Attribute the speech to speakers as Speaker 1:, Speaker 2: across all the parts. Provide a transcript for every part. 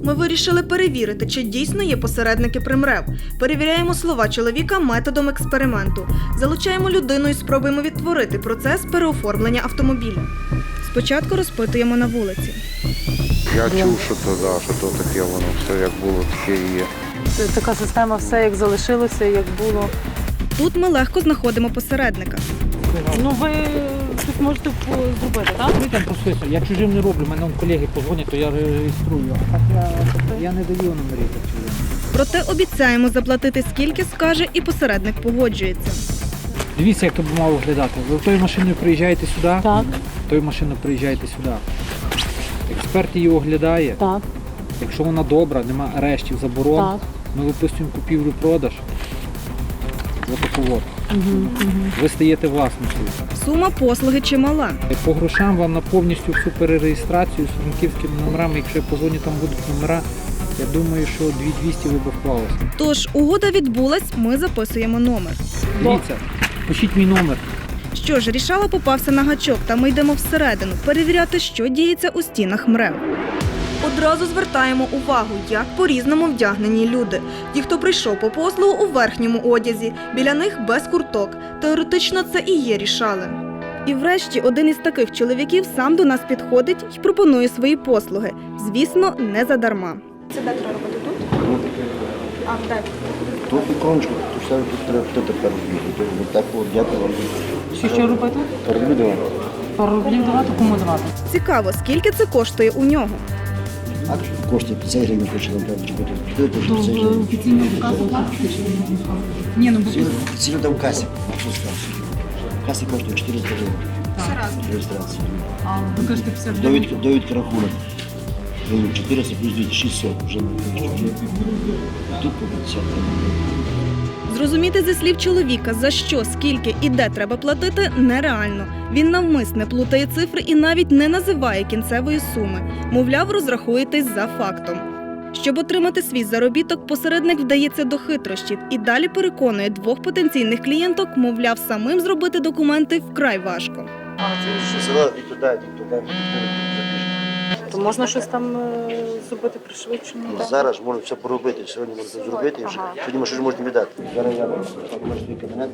Speaker 1: ми вирішили перевірити, чи дійсно є посередники при МРЕВ. Перевіряємо слова чоловіка методом експерименту. Залучаємо людину і спробуємо відтворити процес переоформлення автомобіля. Спочатку розпитуємо на вулиці.
Speaker 2: Я чув, що то таке, воно все як було, таке і є.
Speaker 3: Така система, все як залишилося, як було.
Speaker 1: Тут ми легко знаходимо посередника.
Speaker 3: Ну ви тут можете зробити, так?
Speaker 4: Ми там просто, я чужим не роблю, мене колеги позвонять, то я реєструю. А так я не даю номерів чужим.
Speaker 1: Проте обіцяємо заплатити скільки скаже, і посередник погоджується.
Speaker 4: Дивіться, як то б мало виглядати. Ви тою машиною приїжджаєте сюди,
Speaker 3: Так.
Speaker 4: тою машиною приїжджаєте сюди. Експерт її оглядає.
Speaker 3: Так.
Speaker 4: Якщо вона добра, нема арештів, заборон,
Speaker 3: Так.
Speaker 4: ми виписуємо купівлю-продаж. Отаку. Ви стаєте власником.
Speaker 1: Сума послуги чимала.
Speaker 4: По грошам вам на повністю всю перереєстрацію з франківськими номерами, якщо я позвоню, там будуть номера, я думаю, що 2200 ви б вклалися.
Speaker 1: Тож, угода відбулась, ми записуємо номер.
Speaker 4: Дивіться, пишіть мій номер.
Speaker 1: Що ж, Рішала попався на гачок, та ми йдемо всередину перевіряти, що діється у стінах МРЕВ. Одразу звертаємо увагу, як по-різному вдягнені люди. Ті, хто прийшов по послугу у верхньому одязі, біля них без курток. Теоретично це і є Рішали. І врешті один із таких чоловіків сам до нас підходить і пропонує свої послуги. Звісно, не задарма. Це де треба робити тут? А, де?
Speaker 5: Тут іконочку, то все тут треба тепер робити. Так от дякую вам.
Speaker 3: Що робити?
Speaker 5: Перебудемо.
Speaker 3: Пару рублів давати, кому давати?
Speaker 1: Цікаво, скільки це коштує у нього?
Speaker 5: А коштує 50 гривень, хоче нам треба чекати. Хто це 50 гривень?
Speaker 3: Офіційно в касу платити? Ні, ну
Speaker 5: Офіційно там в касі. В касі коштує 400 гривень. Реєстрація.
Speaker 3: а ви кажете 50 гривень.
Speaker 5: Довідка рахунок. 400 плюс 200, 600. Вже не тут по 50 гривень.
Speaker 1: Зрозуміти зі слів чоловіка, за що, скільки і де треба платити, нереально. Він навмисне плутає цифри і навіть не називає кінцевої суми. Мовляв, розрахуєтесь за фактом. Щоб отримати свій заробіток, посередник вдається до хитрощів і далі переконує двох потенційних клієнток, мовляв, самим зробити документи вкрай важко.
Speaker 5: Села і туди, і туди.
Speaker 3: То можна щось там зробити пришвидшено?
Speaker 5: Зараз можна все поробити, сьогодні можна зробити, сьогодні ми щось можемо віддати. Зараз я можу свій кабінет,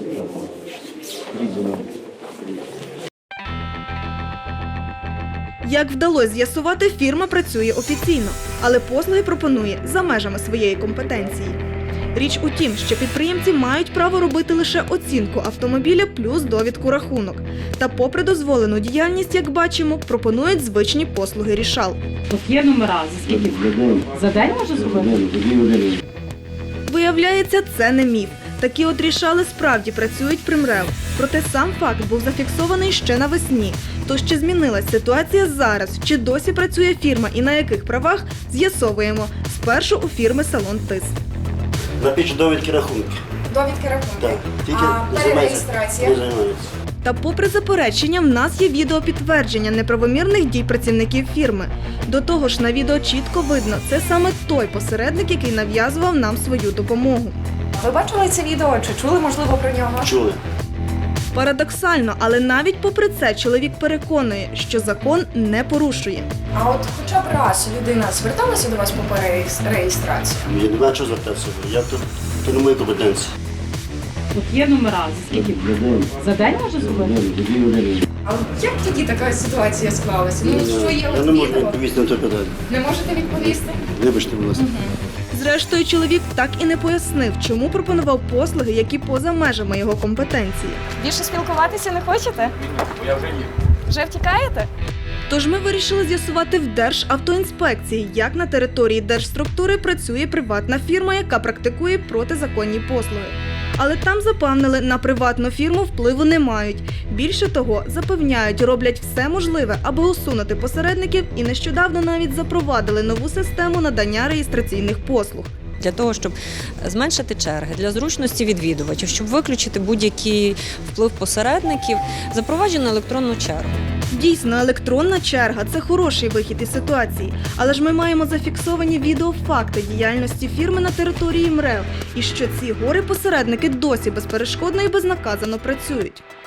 Speaker 1: Як вдалося з'ясувати, фірма працює офіційно, але послуги пропонує за межами своєї компетенції. Річ у тім, що підприємці мають право робити лише оцінку автомобіля плюс довідку рахунок. Та попри дозволену діяльність, як бачимо, пропонують звичні послуги Рішал.
Speaker 3: От є номера, за скільки? За день можна зробити?
Speaker 1: Виявляється, це не міф. Такі от Рішали справді працюють при МРЕВ. Проте сам факт був зафіксований ще навесні. Тож чи змінилась ситуація зараз, чи досі працює фірма і на яких правах, з'ясовуємо. Спершу у фірми «Салон ТИС».
Speaker 6: Напишу довідки рахунки.
Speaker 7: Довідки рахунки.
Speaker 6: Так. Тільки
Speaker 7: А перереєстрація?
Speaker 6: не займаюся.
Speaker 1: Та попри заперечення, в нас є відеопідтвердження неправомірних дій працівників фірми. До того ж, на відео чітко видно, це саме той посередник, який нав'язував нам свою допомогу.
Speaker 7: Ви бачили це відео? Чи чули, можливо, про нього?
Speaker 6: Чули?
Speaker 1: Парадоксально, але навіть попри це чоловік переконує, що закон не порушує.
Speaker 7: А от хоча б раз людина зверталася до вас по перереєстрації?
Speaker 6: Я не знаю, що звертатися. То не мої компетенції.
Speaker 3: От є номера, за скільки? За день можна зробити?
Speaker 7: А от як тоді така ситуація склалася? Ну, що є
Speaker 6: Я
Speaker 7: от
Speaker 6: не можу
Speaker 7: відео?
Speaker 6: відповісти на це питання.
Speaker 7: Не можете відповісти?
Speaker 6: Вибачте, будь ласка.
Speaker 1: Зрештою, чоловік так і не пояснив, чому пропонував послуги, які поза межами його компетенції.
Speaker 7: Більше спілкуватися не хочете? Я вже ні. Вже втікаєте?
Speaker 1: Тож ми вирішили з'ясувати в Державтоінспекції, як на території держструктури працює приватна фірма, яка практикує протизаконні послуги. Але там запевнили, на приватну фірму впливу не мають. Більше того, запевняють, роблять все можливе, аби усунути посередників, і нещодавно навіть запровадили нову систему надання реєстраційних послуг.
Speaker 8: Для того, щоб зменшити черги, для зручності відвідувачів, щоб виключити будь-який вплив посередників, запроваджено електронну чергу.
Speaker 1: Дійсно, електронна черга – це хороший вихід із ситуації. Але ж ми маємо зафіксовані відеофакти діяльності фірми на території МРЕВ. І що ці горе-посередники досі безперешкодно і безнаказано працюють.